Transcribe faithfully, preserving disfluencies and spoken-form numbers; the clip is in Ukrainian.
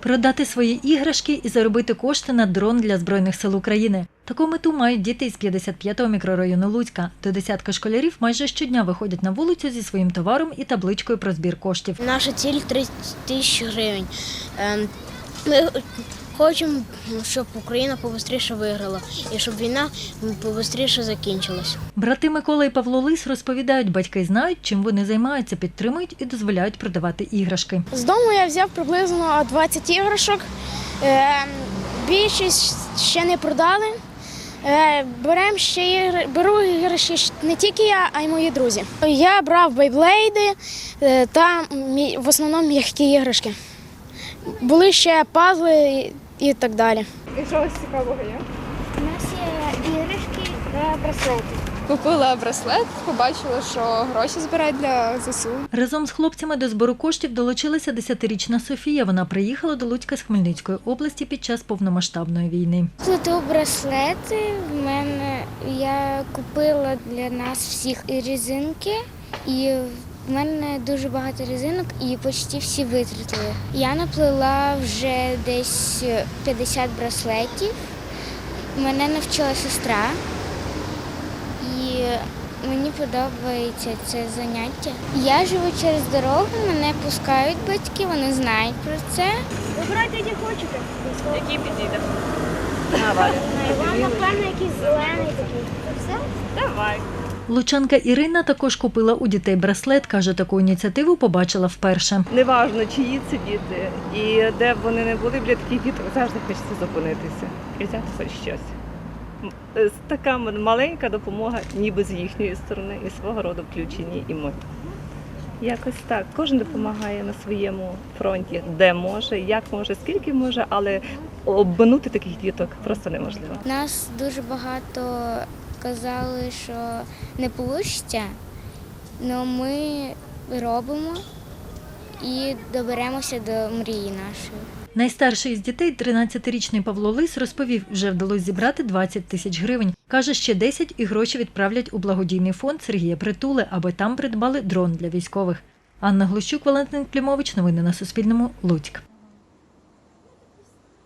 продати свої іграшки і заробити кошти на дрон для Збройних сил України. Таку мету мають діти із п'ятдесят п'ятого мікрорайону Луцька. До десятка школярів майже щодня виходять на вулицю зі своїм товаром і табличкою про збір коштів. Наша ціль – тридцять тисяч гривень. Ми хочемо, щоб Україна побистріше виграла і щоб війна побистріше закінчилась. Брати Микола і Павло Лис розповідають, батьки знають, чим вони займаються, підтримують і дозволяють продавати іграшки. З дому я взяв приблизно двадцять іграшок. Більшість ще не продали. Берем ще ігри, беру іграшки не тільки я, а й мої друзі. Я брав бейблейди та в основному м'які іграшки. Були ще пазли і так далі. І що ось цікавого є? У нас є іграшки та браслети. Купила браслет, побачила, що гроші збирають для ЗСУ. Разом з хлопцями до збору коштів долучилася десятирічна Софія. Вона приїхала до Луцька з Хмельницької області під час повномасштабної війни. Плету браслети. В мене я купила для нас всіх і резинки, і в мене дуже багато резинок і почти всі витратили. Я наплела вже десь п'ятдесят браслетів. Мене навчила сестра. І мені подобається це заняття. Я живу через дорогу, мене пускають батьки, вони знають про це. Вибирайте, які хочете. Який підійде? Вам, напевно, якийсь зелений такий. Все? Давай. Лучанка Ірина також купила у дітей браслет. Каже, таку ініціативу побачила вперше. Неважно, чиї це діти і де б вони не були, біля таких діток завжди хочеться зупинитися і взяти хоч щось. Така маленька допомога ніби з їхньої сторони і свого роду включені і ми. Якось так. Кожен допомагає на своєму фронті, де може, як може, скільки може, але обминути таких діток просто неможливо. Нас дуже багато казали, що не вийде, але ми робимо і доберемося до мрії нашої. Найстарший із дітей, тринадцятирічний Павло Лис, розповів, вже вдалося зібрати двадцять тисяч гривень. Каже, ще десять і гроші відправлять у благодійний фонд Сергія Притули, аби там придбали дрон для військових. Анна Глущук, Валентин Клімович. Новини на Суспільному. Луцьк.